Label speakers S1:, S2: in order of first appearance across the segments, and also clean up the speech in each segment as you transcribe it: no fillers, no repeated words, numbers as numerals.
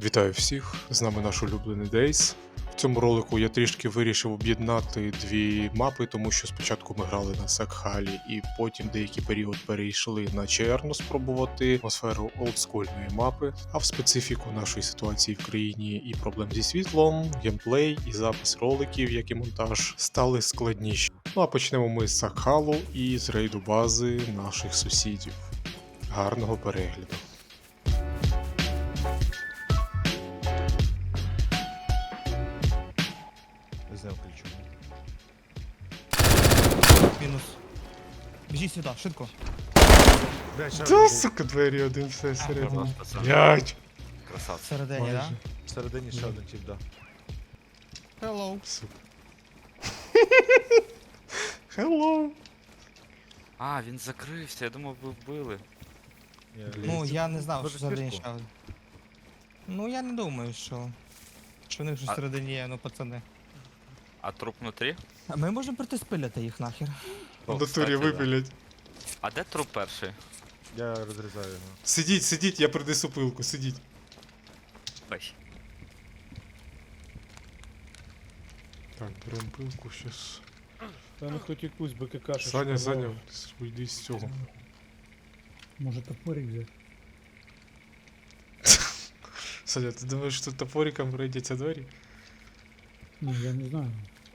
S1: Вітаю всіх! З нами наш улюблений Дейс. В цьому ролику я трішки вирішив об'єднати дві мапи, тому що спочатку ми грали на Секхалі і потім деякий період перейшли на Черну спробувати атмосферу олдскульної мапи, а в специфіку нашої ситуації в країні і проблем зі світлом, геймплей і запис роликів, як і монтаж, стали складніші. Ну а почнемо ми з Секхалу і з рейду бази наших сусідів. Гарного перегляду!
S2: Взяв ключу.
S3: Мінус. Біжи сюди, швидко.
S2: Блядь, ще
S1: Та
S2: один
S1: сука, двері один все всередині.
S2: Нормально, пацан.
S1: Блять!
S2: красавці.
S3: Всередині,
S1: Майже.
S3: да?
S2: Всередині ще один тип, да.
S3: Hello.
S1: Сука. Hello!
S4: А, він закрився, я думав, ви вбили.
S2: Ні,
S3: Ну, я не знав,
S2: Може,
S3: що всередині
S2: спірку?
S3: ще один. Ну, я не думаю, що в них щось
S4: А-
S3: всередині є, ну, пацани.
S4: А труп внутрі?
S3: А ми можемо прийти спиляти їх нахер.
S4: О,
S1: В натурі
S4: кстати, да.
S1: випилять.
S4: А де труп перший?
S2: Я розрізаю його.
S1: Сидіть, сидіть, я принесу пилку, сидіть.
S4: Ой.
S1: Так, берем пилку, щас.
S5: Та ну хоч якусь БКК.
S1: Саня, Саня, уйди з цього.
S5: Може топорик взяти?
S1: Саня, ти думаєш, що топориком пройдеться двері?
S5: Ну, я не знаю.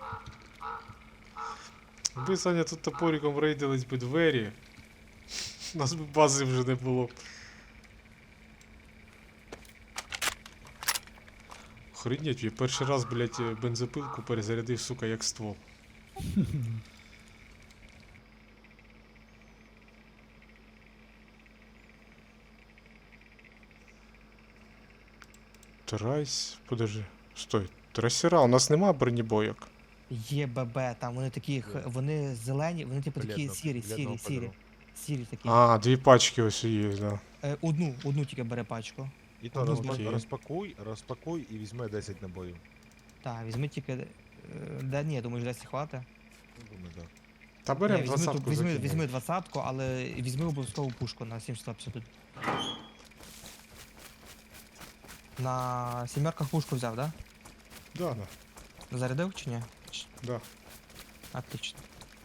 S1: Якби, Саня, тут топориком рейдились би двері, у нас би бази вже не було. Охренеть, я перший раз, блядь, бензопилку перезарядив, сука, як ствол. Трайс, подожди, стой. Трасера, у нас нема бронебойок.
S3: Є ББ, там вони такі, вони зелені, вони типу такі
S2: Бледно-
S3: сірі,
S2: бледного
S3: сірі, сірі.
S2: кольору.
S3: Сірі такі.
S1: А, дві пачки ось є, да.
S3: Одну тільки бере пачку.
S2: І то
S3: Ну,
S1: окей.
S2: розпакуй і візьми 10 набоїв.
S3: Так, візьми тільки. Да ні, думаєш, десь хватить?
S2: Ну, думаю, так.
S1: Та
S3: Ні,
S1: берем
S3: візьми,
S1: двадцатку.
S3: візьми 20-ку, але візьми обов'язково пушку на 750. На сімерках пушку взяв, да?
S1: Да, да,
S3: Зарядив чи ні?
S1: да.
S3: Отлично.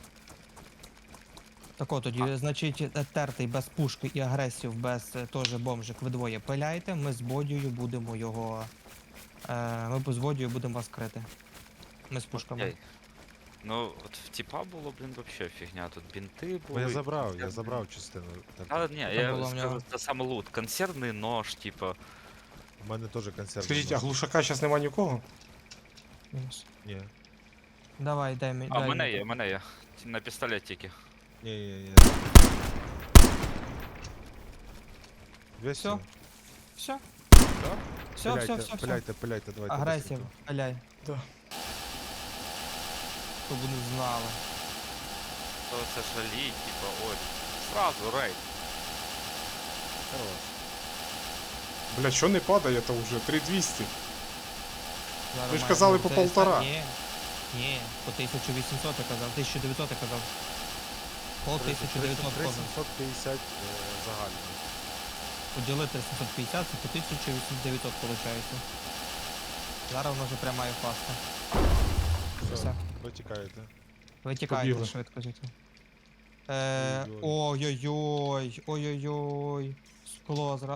S3: Так от тоді, значить, тертий без пушки і агресів без теж бомжик ви двоє пиляйте, ми з Бодією будемо його. Ми з Бодією будемо вас крити. Ми з пушками.
S4: Окей. Ну, от в тіпа було, блін, вообще фігня. Тут бінти
S2: Бо
S4: були.
S2: я забрав частину. Так,
S4: А, ні,
S3: Там
S4: я
S3: було в нього.
S4: скажу, це саме лут. Консервний нож, типа.
S2: У мене теж консерв.
S1: Скажіть, а глушака зараз нема нікого?
S3: Мінус.
S2: Ні.
S3: Давай, дай мені.
S4: А, в мене є, в мене є. На пістолетики.
S2: Ні. Весь
S3: Всё? Все? Все, все.
S2: Пиляйте, давайте.
S3: Агресія,
S2: быстренько.
S3: пиляй.
S1: Да.
S3: Щоб вони знали.
S4: То це жалі, типа, ой. Сразу рейд.
S2: Хорош.
S1: Бля, що не падає, то вже 3200.
S3: Зараз
S1: Ви ж
S3: має
S1: казали
S3: бути.
S1: по 1,5.
S3: Ні, по 1800 я казав, 1900 я казав. Пол 1900 кожен.
S2: 750 загальний.
S3: Поділити 750, це по 1900 виходить. Зараз воно вже пряма і фаста. Все.
S2: Витікаєте.
S3: Витікайте
S1: Побігли.
S3: швидко звідти.
S2: Ой-ой.
S3: Ой-ой-ой. Скло зра...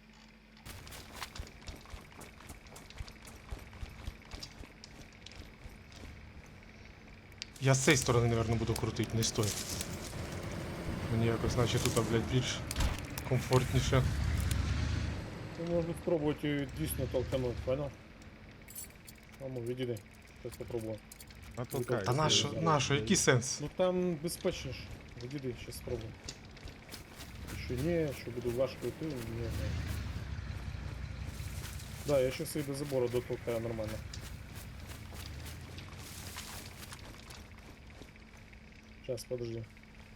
S1: Я з цієї сторони, наверное, буду крутити, не стой. Мені якось, наче тут, блядь, більш комфортніше.
S5: Ну, можна спробувати дійсно толкануть, понял? Мамо, відійди. Зараз попробую.
S2: Натолкай.
S1: Та нащо, який сенс?
S5: Ну там безпечніше. Відійди, зараз спробую. Що ні, що буду важко йти, не знаю. Да, я щас її до забору дотолкаю нормально. Сейчас, подожди.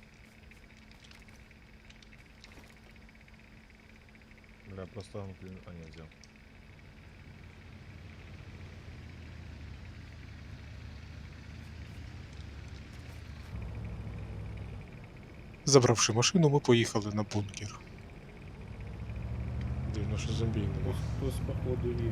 S2: Бля, просто блін, а ні, взяв.
S1: Забравши машину, ми поїхали на бункер. дивно, що зомбій нема.
S5: Хтось походу є.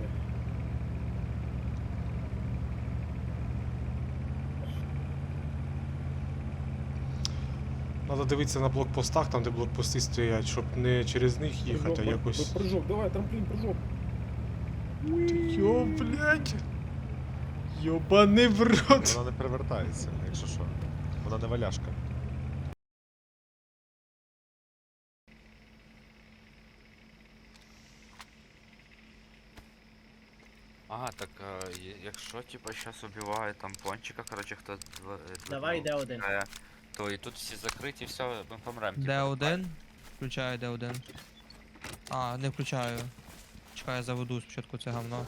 S1: Треба дивитися на блокпостах, там де блокпости стоять, щоб не через них їхати, а якось.
S5: Прыжок, давай, трамплін, прыжок.
S1: Йо, блядь. Йобаний в рот.
S2: Вона не перевертається, якщо що. Вона не валяшка.
S4: А, так, якщо типа щас убиває там пончика, короче, хто
S6: Давай, йде один.
S4: то і тут всі закриті, все, ми помрем.
S3: Д1. Включаю Д1. А, не включаю. Чекаю, заведу спочатку це говно.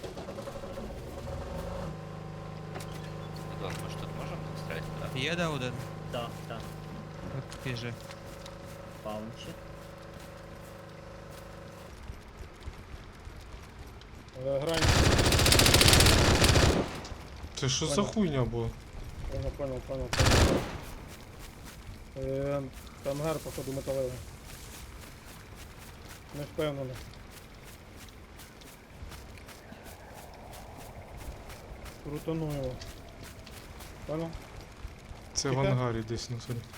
S4: Дон, ми ж тут можемо так стріляти, да?
S3: Є Д1?
S6: Так, так.
S3: Біжи.
S6: Паунчі.
S5: Грань.
S1: Це що за
S5: Понял.
S1: хуйня була?
S5: Понял. Ангар, походу, металевий. Не впевнений. Крутану його. Понял?
S1: Це в
S5: Тихо.
S1: ангарі десь на селі.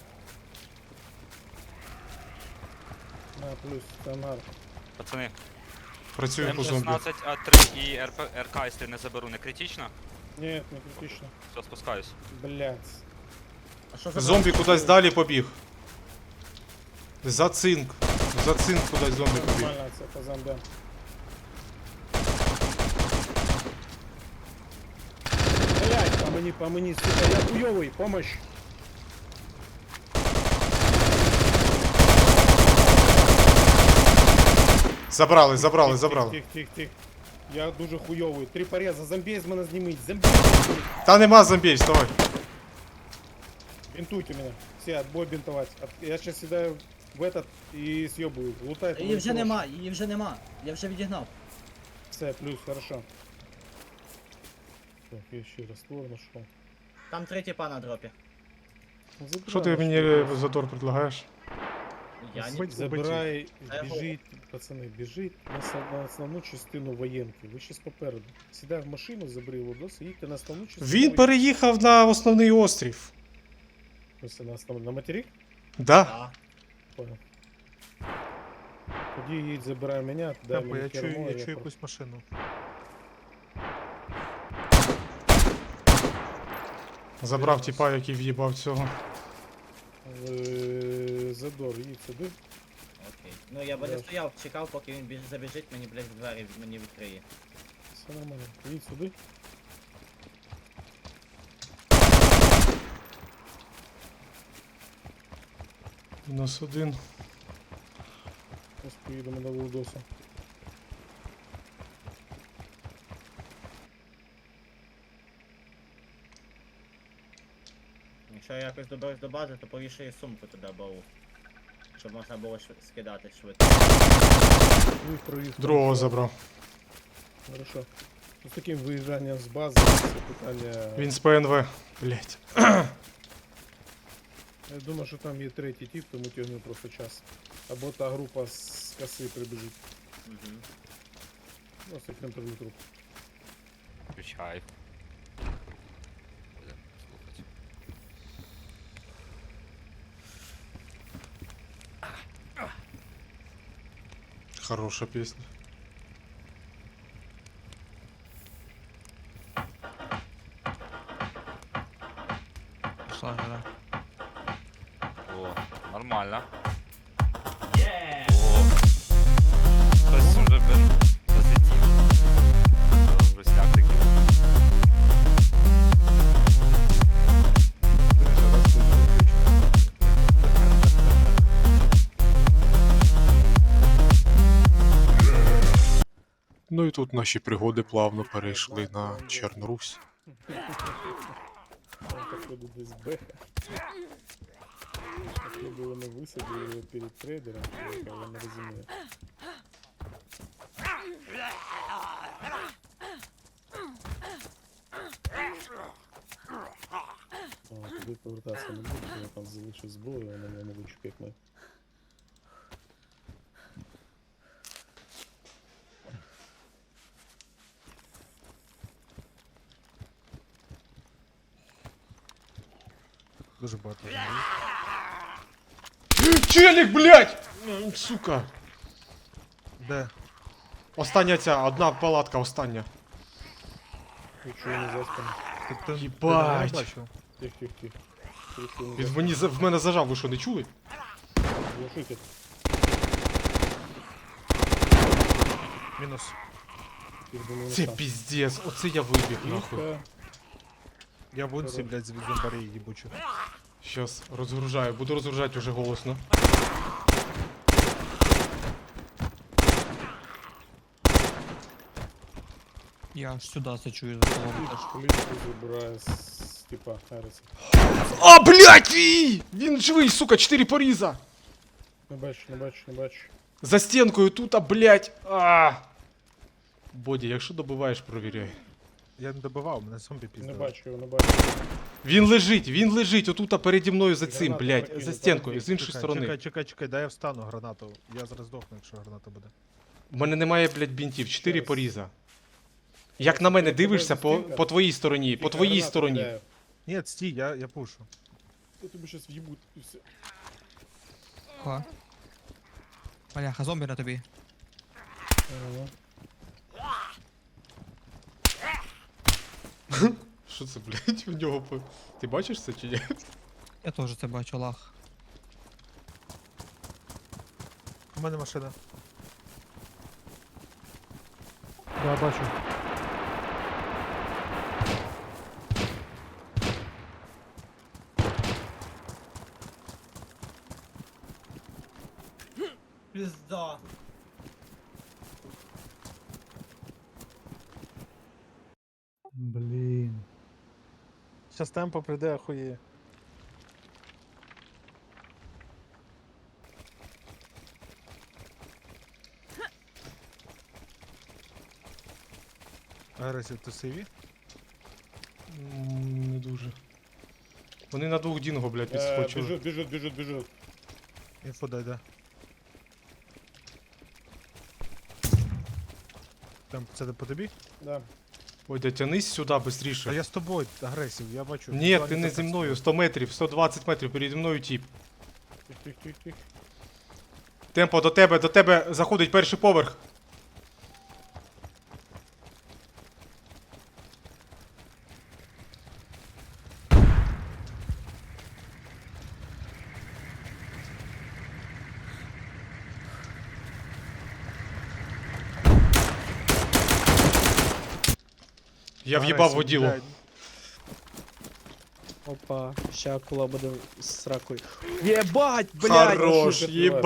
S5: На, плюс, це ангар.
S4: Пацани,
S1: Працюю по зомбі.
S4: М16, А3 і РК, якщо не заберу, не критично?
S5: Ні, не критично.
S4: Все, спускаюсь.
S5: Блять.
S6: А що за
S1: Зомбі кудись далі побіг. За цинк. За цинк кудись зомбі побіг.
S5: Нормально, це по зомбям. Блять, по мені, сука, я хуйовий, помощь.
S1: Забрали.
S5: Тих. Я дуже хуйовий. 3 пореза, зомбей з мене зніміть, зомбей з мене.
S1: Та нема зомбій, вставай.
S5: Бинтуйте меня. Все, отбой бинтовать. Я сейчас сідаю в этот и съебую. Лутай.
S6: Її вже нема, її вже нема. Я вже відігнав.
S5: Все, плюс, хорошо. Так, я ще раствор нашел.
S6: Там 3 тіпа на дропі.
S1: Що ти мені задор предлагаєш?
S6: Я не...
S5: Забирай,
S6: А я
S5: біжить, пацани, біжить на основну частину воєнки. Ви щас попереду. Сідай в машину, забери лодос і їдьте на основну частину.
S1: Він переїхав на основний острів.
S5: Ось на основну, на материк?
S1: Да?
S6: А,
S5: Понял. Тоді їдь, забирай мене, дай
S2: Темпо,
S5: мені
S2: я
S5: кермо,
S2: чую
S5: про-
S2: якусь машину.
S1: Забрав тіпа, який в'їбав цього.
S5: Задор, їдь сюди.
S6: окей. Ну я би не
S5: Да.
S6: стояв, чекав, поки він забіжить, мені, блядь, в двері мені відкриє.
S5: Все нормально. Їдь сюди.
S1: Мінус один.
S5: Ось поїдемо до Лудоса.
S6: Якщо я якось доберусь до бази, то повішаю сумку туди бау. Щоб можна було скидати швидко.
S5: Ну, проїзд.
S1: Другого забрав.
S5: Хорошо. Ну, з таким виїжджанням з бази це питання.
S1: Він з ПНВ. Блять.
S5: Я думаю, що там є третій тип, тому тягне просто час. Або та група з коси прибіжить.
S6: Угу.
S5: Просто контролю труп.
S4: Включай. Будем слухати.
S1: Хороша пісня.
S3: Пішла гра.
S4: О, нормально. О, хтось уже, блин, позитив. Грустяк такий.
S1: Ну і тут наші пригоди плавно перейшли на Чорнорусь.
S5: Там походу десь беха. Походу вони висадили його перед трейдером, але не розумію. Туди повертатися не буду, я там залишив зброю, вона не можу як ми.
S2: Дуже багато.
S1: Челік, блядь! Сука.
S2: Де?
S1: Остання ця, одна палатка, остання.
S5: Нічого не заспано.
S2: Ти
S1: Їбать.
S2: не бачив?
S5: Тихо.
S1: Він в мене зажав, ви що, не чули?
S5: Глушитель.
S2: Мінус.
S5: Їх думаю,
S1: Це
S5: сам.
S1: піздець, оце я вибіг нахуй.
S5: Тихо.
S2: Я в унці, блядь, з зомбарей їбучу.
S1: Щас розгружаю, буду розгружати уже голосно.
S3: Я аж сюди зачую за колом.
S5: Кличку забирає з типа Харриса.
S1: А, блядь! Він живий, сука, 4 поріза!
S5: Не бачу.
S1: За стінкою тут, а, блядь! А! Боді, якщо добиваєш, провіряй.
S2: Я не добивав, мене зомбі
S5: Не
S2: піздили.
S5: бачу його.
S1: Він лежить отут переді мною за цим,
S5: Гранату
S1: блядь,
S5: прокинув,
S1: за стінкою, з
S5: там
S1: іншої сторони.
S2: Чекай, дай я встану гранату. Я зараз здохну, якщо граната буде.
S1: У мене немає, блядь, бінтів, 4
S5: Щас.
S1: поріза. Як на мене
S5: Тебе
S1: дивишся
S5: застінка?
S1: по твоїй стороні, по твоїй стороні.
S2: Ні, стій, я пушу.
S5: Я тобі щас в'їбуть і все.
S3: Ха. Бляха, зомбі на тобі.
S5: Ага.
S1: Що це, блядь, в нього по... Ти бачиш це чи ні?
S3: Я теж це бачу, лах.
S2: У мене машина.
S5: Да, бачу.
S6: Пізда.
S2: Блін. Щас темпо прийде, охуєє. Агресів, ти сиві?
S1: Не дуже. Вони на двох дінго, блядь, підскочили.
S5: Біжуть.
S2: Інфо дай. Там це по тобі?
S5: Да.
S1: Ой, да тянись сюди,
S2: А
S1: быстріше.
S2: я з тобою, агресів, я бачу.
S1: Ні,
S2: Візуальний
S1: ти не зі
S2: контакт.
S1: мною, 100 метрів, 120 метрів, переді мною тіп.
S5: Тих.
S1: Темпо, до тебе заходить перший поверх. Я в'їбав
S2: Агресів,
S1: воділо.
S2: блядь.
S7: Опа, ща акула буде з сракою. Єбать, блядь!
S1: Хорош, єба.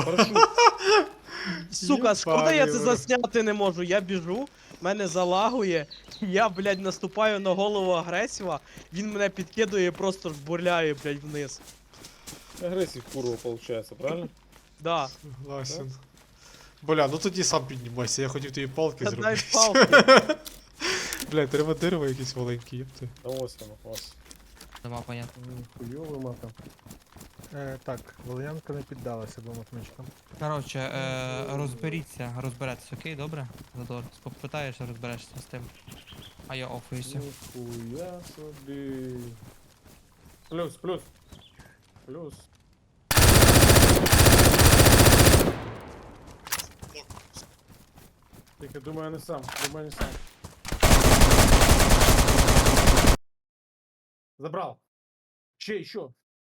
S7: Сука, шкода я це
S1: Єбаний в рот.
S7: засняти не можу. Я біжу, мене залагує, я, блядь, наступаю на голову агресіва, він мене підкидує і просто жбурляє, блядь, вниз.
S5: Агресив курва получается, правильно?
S7: Да.
S1: Согласен. Бля, ну тоді сам піднімайся, я хотів тобі палки
S7: Та дай
S1: зробити.
S7: палки.
S1: Бля, треба дерево якесь маленьке, єпти.
S5: Да ось там ось.
S3: Нема понятно.
S5: Хуйовий матом.
S2: Так, Валер'янка не піддалася двом отмичкам.
S3: Коротше, розберетесь, окей, добре? Задор, попитаєшся, розберешся з тим. А я офуюся.
S5: Ніхуя собі. Плюс. Тільки думаю, не сам. Забрав. Ще.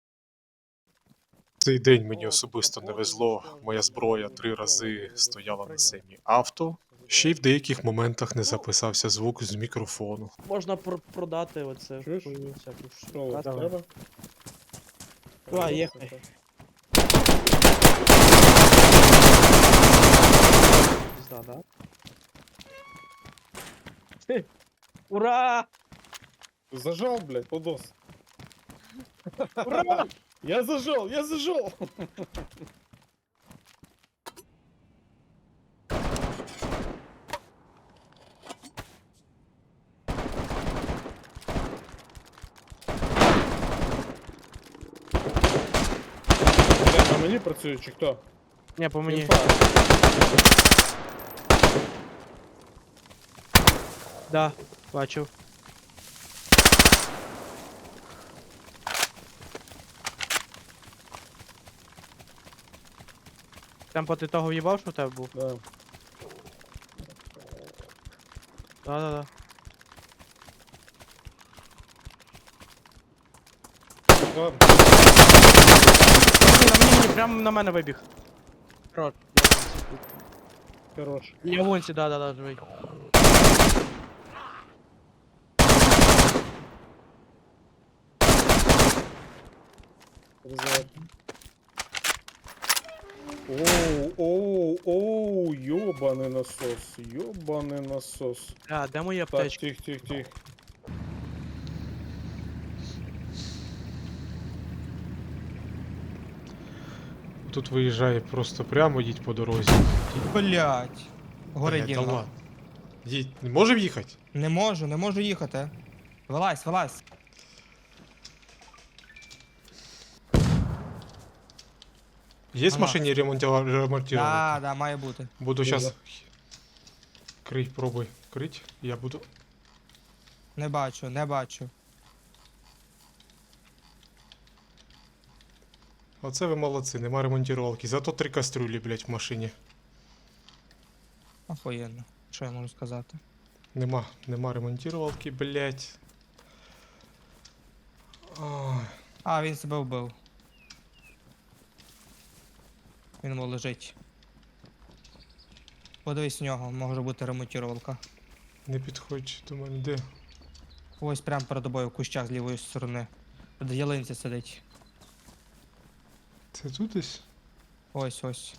S1: Цей день мені особисто не везло. Моя зброя 3 рази стояла на семі авто. Ще й в деяких моментах не записався звук з мікрофону.
S7: Можна продати оце.
S5: Чуєш?
S7: хуйню всяку
S5: Що, у вас
S7: Давай.
S5: треба?
S7: Давай, їхай. Пізда, да? Ура!
S5: Зажал, блядь, подос.
S7: Ура!
S5: Я зажал! Блядь, на мені працює чи хто?
S7: Ні, по мені.
S5: Інфа.
S7: Да, бачив. Темпо, ти того в'їбав, що в тебе був?
S5: Да.
S7: Да-да-да.
S5: Ладно.
S7: Мені, прямо на мене вибіг. Хорош.
S5: Хорош.
S7: Я вонці, да-да-да, живий.
S5: Вызывай. Оу, ёбаный насос, ёбаный насос.
S7: А, де мої
S5: Так,
S7: аптечки?
S5: тихо.
S1: Тут виїжджає просто прямо, їдь по дорозі.
S3: Блять. Горе
S1: Блядь, та
S3: діло.
S1: ладно. Їдь, не можемо їхати?
S3: Не можу їхати. Вилазь.
S1: Є в
S3: Ага.
S1: машині ремонтувати?
S3: Да, має бути.
S1: Буду
S5: Є,
S1: зараз.
S5: да.
S1: Крий, пробуй. Крить. Я буду.
S3: Не бачу.
S1: Оце ви молодці, нема ремонтувалки. Зато 3 кастрюлі, блять, в машині.
S3: Охуєнно. Що я можу сказати?
S1: Нема ремонтувалки, блять. Ой.
S3: А, він себе вбив. Він лежить. Подивись в нього, може бути ремонтувалка.
S1: Не підходь до мене, де?
S3: Ось прямо перед тобою в кущах з лівої сторони. Під ялинці сидить.
S1: Це тут десь?
S3: Ось.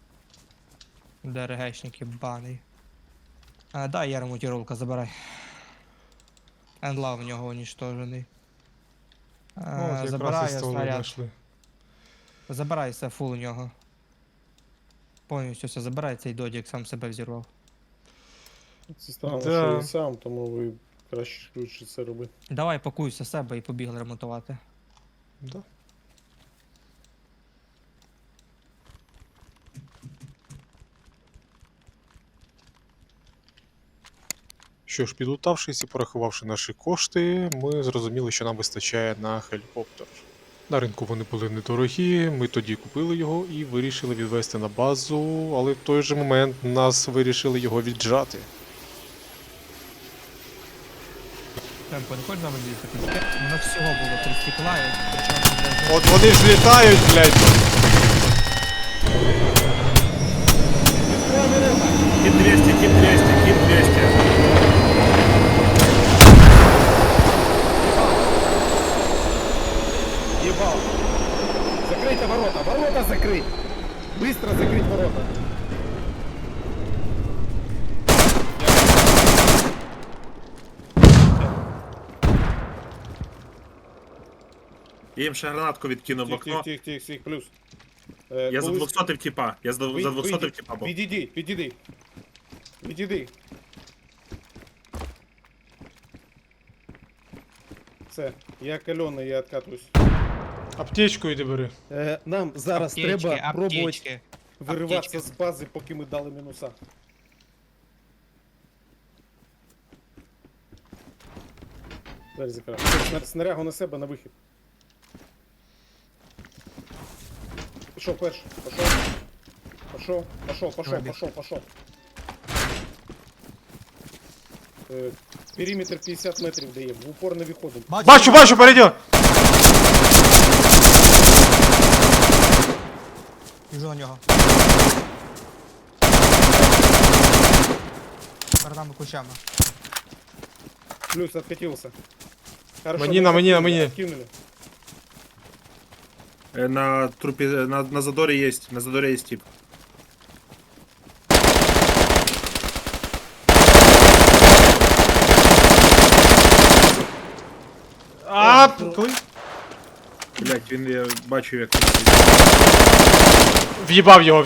S3: ДРГшник єбаний. Дай я ремонтировка, забирай. Енлав в нього уничтожений.
S1: О, якраз
S3: Забирай
S1: і столи
S3: снаряд.
S1: знайшли.
S3: Забирай все, фул у нього. Повністю все забирай, цей додік сам себе взірвав.
S5: Це странно,
S1: Да.
S5: що я сам, тому ви краще швидше це робити.
S3: Давай пакуйся себе і побігли ремонтувати.
S1: Да. Що ж, підлутавшись і порахувавши наші кошти, ми зрозуміли, що нам вистачає на гелікоптер. На ринку вони були недорогі, ми тоді купили його і вирішили відвести на базу, але в той же момент нас вирішили його віджати.
S3: Темпо, не хочеш нам їздити? У нас всього було 3 стекла, і причому блядь,
S1: От вони ж літають, блядь!
S8: Кит 200.
S5: Ебал! Закройте ворота закрыть! Быстро закрыть ворота!
S8: Я їм ще гранатку відкинув в окно.
S5: Тихо, плюс.
S8: Я за 200 в тіпа. Я за 200 в тіпа був.
S5: Відійди. Все, я кальоний, я откатуюсь.
S1: Аптечку йди бери.
S5: Нам зараз треба пробувати
S3: аптечки.
S5: вириватися з бази, поки ми дали мінуса. Далі закривай. Снарягу на себе, на вихід. Пішов перший. Пішов. Периметр 50 метрів дає, в упор не виходимо.
S1: Бачу, перейдем!
S3: Біжу на нього. Перед нами кущами.
S5: Плюс откатился. Хорошо,
S1: Мені,
S5: мы
S1: на мені.
S5: откинули.
S8: На трупі, на задорі є, тип. Блять, він, я бачу, як...
S1: В'їбав його.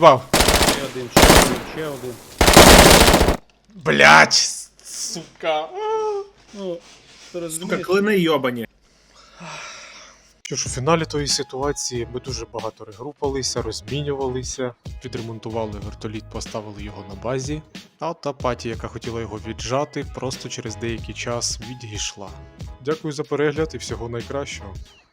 S5: Ще один.
S1: Блять, сука.
S5: Ну, ти
S8: Сука,
S5: розумієш?
S8: клини йобані.
S1: Що ж, у фіналі тої ситуації ми дуже багато регрупалися, розмінювалися, відремонтували вертоліт, поставили його на базі, а та паті, яка хотіла його віджати, просто через деякий час відійшла. Дякую за перегляд і всього найкращого.